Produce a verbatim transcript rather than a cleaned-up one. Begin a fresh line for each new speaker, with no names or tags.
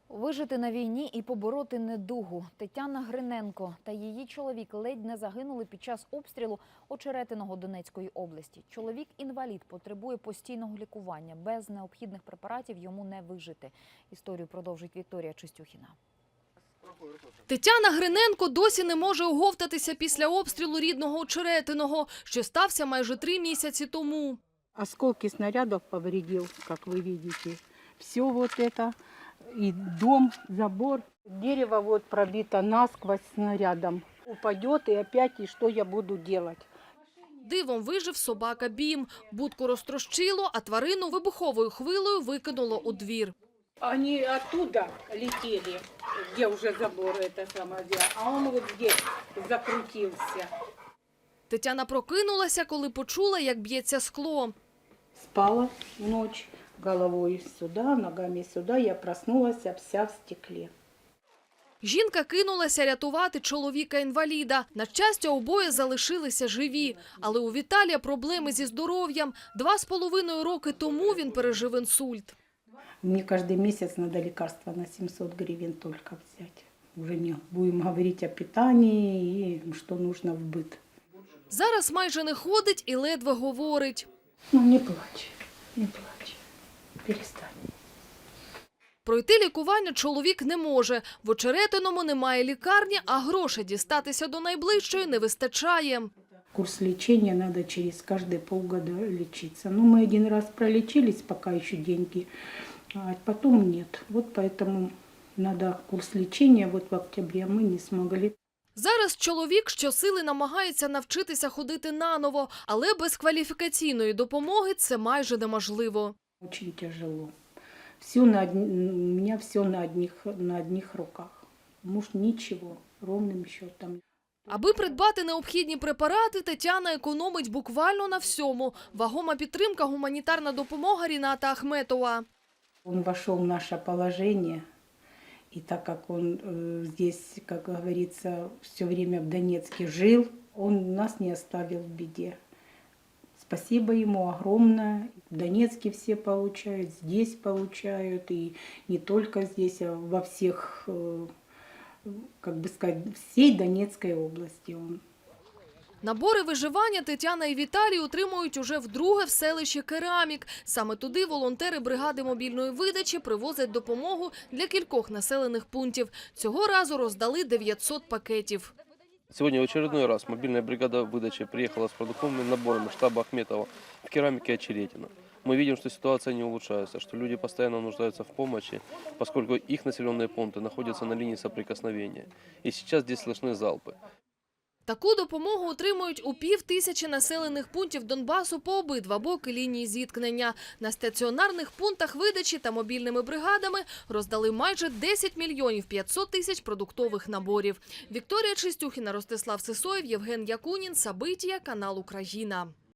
Вижити на війні і побороти недугу. Тетяна Гриненко та її чоловік ледь не загинули під час обстрілу Очеретиного Донецької області. Чоловік-інвалід потребує постійного лікування. Без необхідних препаратів йому не вижити. Історію продовжить Вікторія Чистюхіна.
Тетяна Гриненко досі не може оговтатися після обстрілу рідного Очеретиного, що стався майже три місяці тому.
Осколки снарядов повредил, как вы видите. Все вот это, и дом, забор. Дерево вот пробито насквозь снарядом. Упадет, и опять, и что я буду делать?
Дивом вижив собака Бім. Будку розтрощило, а тварину вибуховою хвилею викинуло у двір.
Они оттуда летели, где уже забор, это самое, а он вот здесь закрутился.
Тетяна прокинулася, коли почула, як б'ється скло.
Спала ночь головой сюда, ногами сюда. Я проснулась вся в стекле.
Жінка кинулася рятувати чоловіка-інваліда. На щастя, обоє залишилися живі. Але у Віталія проблеми зі здоров'ям. Два з половиною роки тому він пережив інсульт.
Мне каждый месяц надо лекарства на семьсот гривен только взять. Уже не будем говорить о питании и что нужно в быт.
Зараз майже не ходить і ледве говорить.
Ну не плачь, не плачь, перестань.
Пройти лікування чоловік не може. В Очеретиному немає лікарні, а грошей дістатися до найближчої не вистачає.
Курс лечения надо через каждые полгода лечиться. Ну мы один раз пролечились, пока еще деньги, а потом нет. Вот поэтому надо курс лечения. Вот в октябре мы не смогли.
Зараз чоловік щосили намагається навчитися ходити наново, але без кваліфікаційної допомоги це майже неможливо.
Очень тяжело. Все на одни, у меня все на одних, на одних руках. Муж ничего, ровным счетом.
Аби придбати необхідні препарати, Тетяна економить буквально на всьому. Вагома підтримка – гуманітарна допомога Ріната Ахметова.
Он вошел в наше положение, и так как он э, здесь, как говорится, все время в Донецке жил, он нас не оставил в беде. Спасибо ему огромное. В Донецке все получают, здесь получают, и не только здесь, а во всех, э, как бы сказать, всей Донецкой области он.
Набори виживання Тетяна і Віталій отримують уже вдруге в селищі Керамік. Саме туди волонтери бригади мобільної видачі привозять допомогу для кількох населених пунктів. Цього разу роздали дев'ятсот пакетів.
Сегодня в очередной раз мобильная бригада выдачи приехала с продуктовыми наборами штаба Ахметова в Керамике Очеретино. Мы видим, что ситуация не улучшается, что люди постоянно нуждаются в помощи, поскольку их населенные пункты находятся на линии соприкосновения. И сейчас здесь слышны залпы.
Таку допомогу отримують у пів тисячі населених пунктів Донбасу по обидва боки лінії зіткнення. На стаціонарних пунктах видачі та мобільними бригадами роздали майже десять мільйонів п'ятсот тисяч продуктових наборів. Вікторія Чистюхіна, Ростислав Сисоєв, Євген Якунін, Сабитія, канал Україна.